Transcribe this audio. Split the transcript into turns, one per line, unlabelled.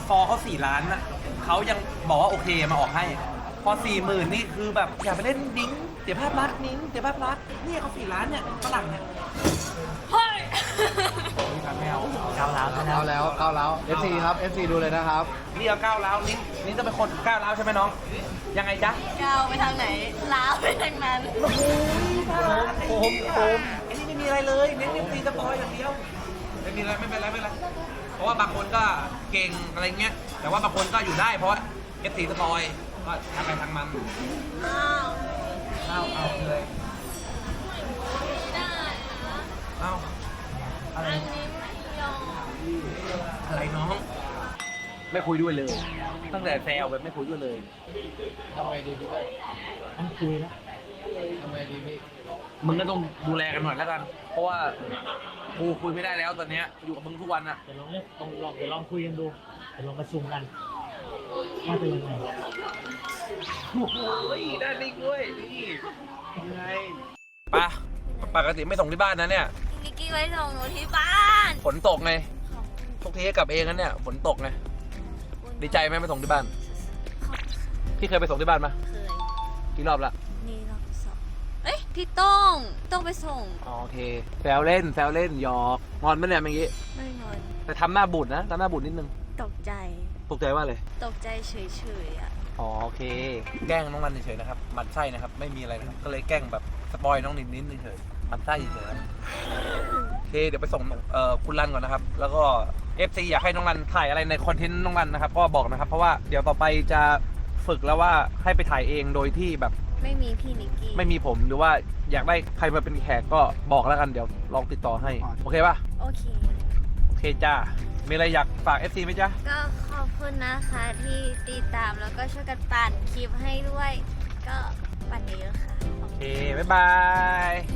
ฟอร์เขา4 ล้านนะเขายังบอกว่าโอเคมาออกให้ พอ 40,000นี่คือแบบอย่าไปเล่นดิ้งเสียภาพลักษณ์นิ้งเสียภาพลักษณ์เนี่ยเขา4 ล้านเนี่ยฝรั่งเนี่ย
เฮ้ย
ไม่เอา
เข้าแล้ว FC ครับ FC ดูเลยนะครับ
นี่เอา9 ล้าวนิ้งจะเป็นคน9 ล้าวใช่ไหมน้อง ยังไงจ๊ะ
ก้าวไปทางไหนล้าวไปทางนั้น
โอ้โหโคมไอ้นี่ไม่มีอะไรเลยเน้นตีสปอยอย่างเดียวไม่มีอะไรไม่เป็นไรเพราะว่าบางคนก็เก่งอะไรเงี้ยแต่ว่าบางคนก็อยู่ได้เพราะว่าเอฟตีสปอยก็ทางไปทางมัน
อ้าว
เอาเลย
ได้นะ
เอาอะไร
อันนี้ไม่ยอม
อะไรน้อง ไม่คุยด้วยเลย ตั้งแต่แซวแบบไม่คุยด้วยเลย
ทำไงดีพี่
ต้องคุยนะ
ทำไงดีพี่
มึงก็ต้องดูแลกันหน่อยแล้วกัน เพราะว่ากูคุยไม่ได้แล้วตอนเนี้ยอยู่กับมึงทุกวันอะ
เดี๋ยวลองคุยกันดูเดี๋ยวลองประชุมกันว่าเป็นยังไง
โอ้โหได้ลิงด้วยนี่ยังไงปะปกติไม่ส่งที่บ้านนะเนี่ย
นิกกี้ไว้ส่งหนูที่บ้าน
ฝนตกไงทุกทีกลับเองนั้นเนี่ยฝนตกไงดีใจไหมไปส่งที่บ้านพี่เคยไปส่งที่บ้านปะ
เคย
กี่รอบละ
นี่รอบสองเอ้ยพี่ต้องไปส่ง
อ๋อโอเคแซวเล่นหยอกงอนไหมเนี่ยเมื่อกี้
ไม่งอน
แต่ทำหน้าบูดนะทำหน้าบูดนิดนึง
ตกใจ
ตกใจว่าเลย
ตกใจเฉยๆอ่ะ
อ๋อโอเค แกล้งน้องนันเฉยๆนะครับหมันไส้นะครับไม่มีอะไรนะครับก็เลยแกล้งแบบสปอยน้องนินเฉยๆหมันไส้เฉยๆครับโอเคเดี๋ยวไปส่งคุณรันก่อนนะครับแล้วก็ FC อยากให้น้องรันถ่ายอะไรในคอนเทนต์น้องรันนะครับก็บอกนะครับเพราะว่าเดี๋ยวต่อไปจะฝึกแล้วว่าให้ไปถ่ายเองโดยที่แบบ
ไม่มีพี่นิกกี้
ไม่มีผมหรือว่าอยากได้ใครมาเป็นแขกก็บอกแล้วกันเดี๋ยวลองติดต่อให้โอเคป่ะ
โอเค
โอเคจ้ามีอะไรอยากฝาก FC ไหมจ๊ะ
ก็ขอบคุณนะคะที่ติดตามแล้วก็ช่วยกันปั่นคลิปให้ด้วย ก็ปั่นเยอะๆค่ะ
โอเคบ๊ายบาย